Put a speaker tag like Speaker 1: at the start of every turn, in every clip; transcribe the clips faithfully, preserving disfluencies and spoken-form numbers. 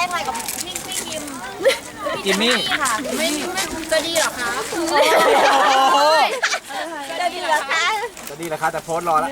Speaker 1: ถ่ายกับพี่พี่ยิม
Speaker 2: จิมมี่
Speaker 1: ค่ะไม่ไม่จะดีหรอคะจะดีหรอคะ
Speaker 2: จะดีแล้วครับแต่โพสต์รอแล้ว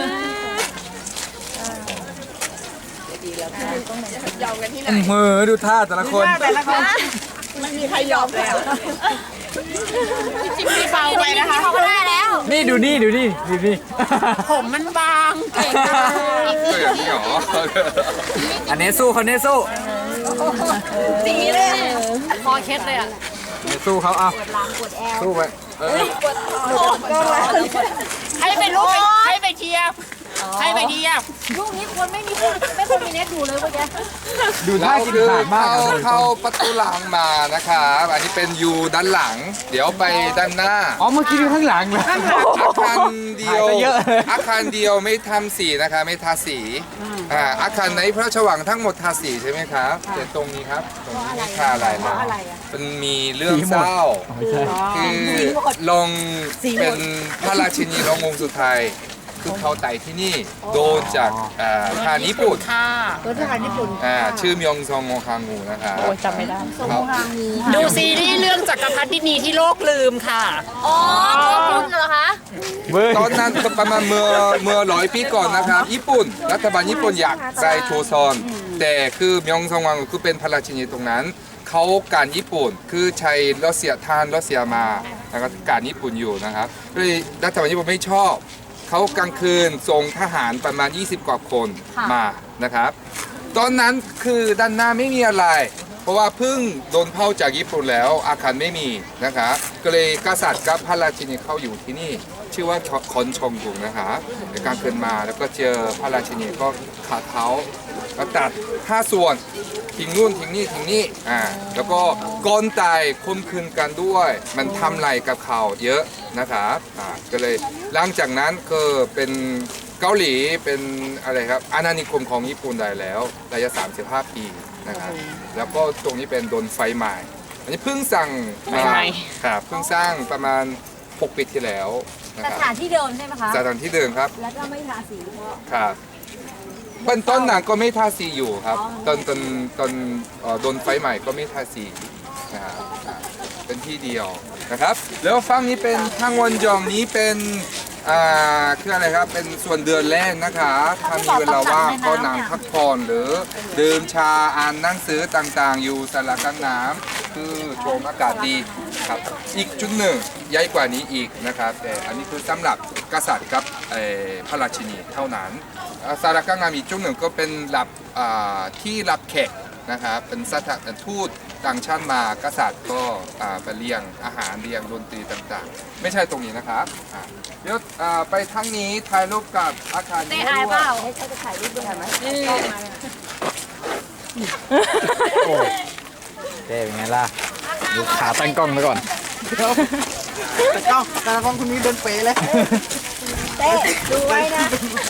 Speaker 2: เมือดูท่าแต่ละคน
Speaker 3: ไม่มีใครยอมแล้ว
Speaker 1: จิมมี่เบาไปนะคะเขาก็ได้แล้ว
Speaker 2: นี่ดูนี่ดูนี่ดูนี่
Speaker 1: ผมมันบางเก่งมาก
Speaker 4: ก็อย่างนี้หรอ
Speaker 2: อันนี้สู้คนนี้สู้
Speaker 1: สีเลยคอเคล็ดเลยอ่ะ
Speaker 2: อันนี้สู้เขาเอาสู้ไปเออ
Speaker 1: ให้เป็นลูกให้ไปเทียบให้ไปเทียบลูกนี้ควรไม่มีไม่ควรมีเน็ตดูเลยเมื่อกี้
Speaker 2: ดูท่ากินขาดมาก
Speaker 4: เข้า
Speaker 2: อะ
Speaker 4: เข้าประตูหลังมานะครับอันนี้เป็นยูด้านหลัง เดี๋ยวไปด้านหน้า
Speaker 2: อ๋อเมื่อกี้ดูข้างหลังเลย
Speaker 4: อาคารเดียว
Speaker 2: หายไปเยอะ
Speaker 4: อาคารเดียวไม่ทำสีนะคะไม่ทาสีอ่าอาคารในพระราชวังทั้งหมดทาสีใช่ไหมครับแต่ตรงนี้ครับตรงนี้ไม่ทาอะไรเลยมันมีเรื่องเศร้า คือลงเป็นพระราชินีลงองค์สุดท้ายคือเขาไต่ที่นี่โดนจากอ่าทหารญี่ปุ่น
Speaker 1: ค่ะ
Speaker 3: รถทหารญี่ปุ่น
Speaker 4: อ่าชื่อมยองซองโงคางูนะครับ
Speaker 3: จำไม่ได้
Speaker 4: ครับ
Speaker 1: ดูซีรีส์เรื่องจักรพรรดินีที่โลกลืมค่ะอ๋อคุณเหรอคะ
Speaker 2: เว้ย
Speaker 4: ตอนนั้นประมาณเมื่อเมื่อร้อยปีก่อนนะครับ ญี่ปุ่น รัฐบาลญี่ปุ่นอยากได้โชซอน แต่คือมยองซองโงคางูคือเป็นพระราชินีตรงนั้น เขาการญี่ปุ่นคือใช้รัสเซียทานรัสเซียมาแล้วก็การญี่ปุ่นอยู่นะครับเลยรัฐบาลญี่ปุ่นไม่ชอบเขากลางคืนส่งทหารประมาณ ยี่สิบ กว่าคนมานะครับ ตอนนั้นคือด้านหน้าไม่มีอะไร เพราะว่าเพิ่งโดนเผาจากญี่ปุ่นแล้วอาคารไม่มีนะครับก็เลยกษัตริย์กับพระราชินีเข้าอยู่ที่นี่ ชื่อว่าคอนชองกุงนะครับในกลางคืนมาแล้วก็เจอพระราชินีก็ขาเท้าก็ตัดห้าส่วนทิ้งนู่นทิ้งนี่ทิ้งนี่อ่าแล้วก็ก้อนตายคมคืนกันด้วย มันทำลายกับเขาเยอะนะครับอ่าก็เลยหลังจากนั้นก็เป็นเกาหลีเป็นอะไรครับอาณานิคมของญี่ปุ่นได้แล้วระยะสามสิบห้าปีนะครับแล้วก็ตรงนี้เป็นโดนไฟไหม้อันนี้เพิ่งสั่งมาครับเพิ่งสร้างประมาณหกปีที่แล้วนะ
Speaker 1: ส
Speaker 4: ครับ
Speaker 1: ถานที่เดิมใช่ไหมคะ
Speaker 4: สถานที่เดิมครับ
Speaker 3: แล้วก็ไม่ทาสีเพราะ
Speaker 4: ครับเป็นต้นหนังก็ไม่ทาสีอยู่ครับตอนตอนตอนเอ่อโดนไฟใหม่ก็ไม่ทาสีนะครับอ่าเป็นที่เดียวนะครับ แล้วฝั่งนี้เป็นทางวันยองนี้เป็นอ่าคืออะไรครับเป็นส่วนเดือนแรกนะคะถ้ามีเวลาว่างก็นั่งพักผ่อนหรือดื่มชาอ่านหนังสือต่างๆ อยู่สระกลางน้ำคือชมอากาศดีครับอีกจุดหนึ่งใหญ่กว่านี้อีกนะครับแต่อันนี้คือสำหรับกษัตริย์กับเอ่อพระราชินีเท่านั้น สารกลางน้ำอีกจุดหนึ่งก็เป็นรับอ่าที่รับแขกนะครับเป็นสถานทูตต่างชาติมากษัตริย์ก็อ่าไปเลี้ยงอาหารเลี้ยงดนตรีต่างๆ ไม่ใช่ตรงนี้นะครับอ่าเดี๋ยวอ่าไปทางนี้ถ่ายรูปกับอาคารนี้
Speaker 1: ได้อายเปล่า
Speaker 3: ให้เขาจะถ่ายรูปด้วยไหม
Speaker 2: โอ้เจ๊เป็นไงล่ะดูขาตั้งกล้องไปก่อน
Speaker 3: แต่กล้องแต่ละคนคนนี้เดินเป๋เลยเต้ดูไว้นะ